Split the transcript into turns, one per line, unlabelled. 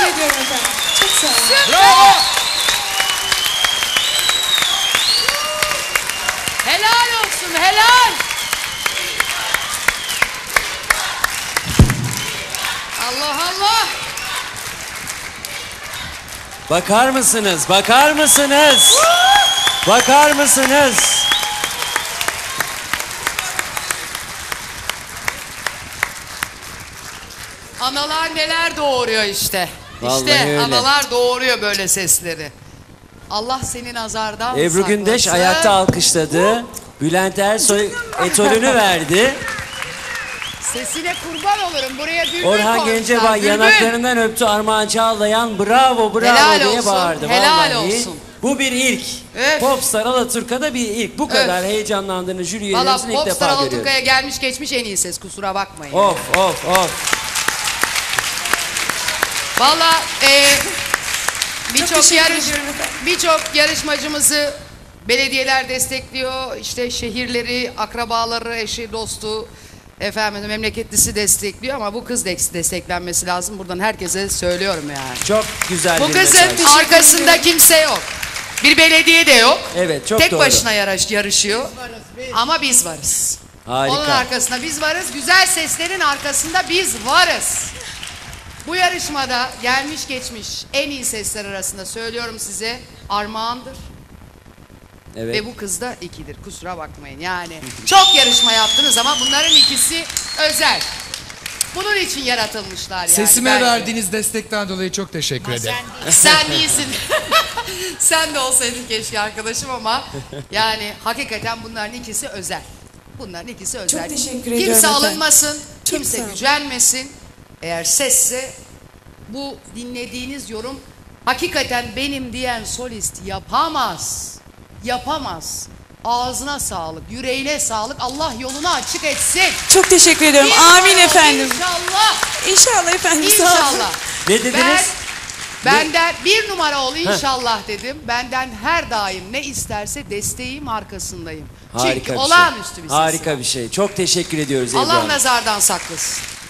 Teşekkür ediyorum efendim. Çok sağ olun.
Bravo.
Helal olsun, helal. Allah Allah.
Bakar mısınız? Bakar mısınız? Bakar mısınız?
Analar neler doğuruyor işte.
Vallahi
İşte
öyle.
analar doğuruyor böyle sesleri. Allah seni nazardan
Ebru Gündeş
saklasın.
ayakta alkışladı. Bülent Ersoy etolünü verdi.
Sesine kurban olurum. Buraya bülbül
Orhan
koymuşlar,
Gencebay
bülbül.
yanaklarından öptü, Armağan Çağlayan bravo bravo
Helal
diye
olsun,
bağırdı.
helal
Vallahi
olsun.
bu bir ilk.
Öf.
Popstar Alaturka'da bir ilk. Bu kadar
Öf.
heyecanlandığını jüri
Valla
üyelerimizin ilk
Popstar
defa görüyorum.
Alaturka'ya gelmiş geçmiş en iyi ses, kusura bakmayın.
Of of of.
Valla
Çok teşekkür ediyorum efendim.
birçok yarışmacımızı belediyeler destekliyor. İşte şehirleri, akrabaları, eşi, dostu, efendim memleketlisi destekliyor ama bu kız desteklenmesi lazım. Buradan herkese söylüyorum yani.
Çok güzel
Bu
bir
kızın
mesaj.
arkasında kimse yok. Bir belediye de yok.
Evet, çok
Tek
doğru.
başına yarışıyor. Ama biz varız.
Harika.
Onun arkasında biz varız. Güzel seslerin arkasında biz varız. Bu yarışmada gelmiş geçmiş en iyi sesler arasında söylüyorum size Armağan'dır.
Evet.
Ve bu kız da ikidir. Kusura bakmayın yani. Çok yarışma yaptınız ama bunların ikisi özel. Bunun için yaratılmışlar yani.
Sesime
bence.
verdiğiniz destekten dolayı çok teşekkür ederim.
Sen değilsin. Sen de olsaydın keşke arkadaşım ama yani hakikaten bunların ikisi özel. Bunların ikisi özel.
Çok teşekkür
Kimse
ediyorum efendim.
alınmasın,
Çok
kimse
sağ olun.
gücenmesin. Eğer sesse bu dinlediğiniz yorum hakikaten benim diyen solist yapamaz. Yapamaz. Ağzına sağlık, yüreğine sağlık. Allah yolunu açık etsin.
Çok teşekkür ediyorum.
İnşallah,
Amin efendim.
İnşallah.
İnşallah efendim. Sağ olun.
İnşallah.
Ne dediniz?
Benden bir numara ol inşallah dedim. Benden her daim ne isterse desteğim arkasındayım.
Harika
Çünkü
bir
olağanüstü
şey.
bir sesi
Harika
var.
bir şey. Çok teşekkür ediyoruz Ebru
Allah
Hanım.
nazardan saklasın.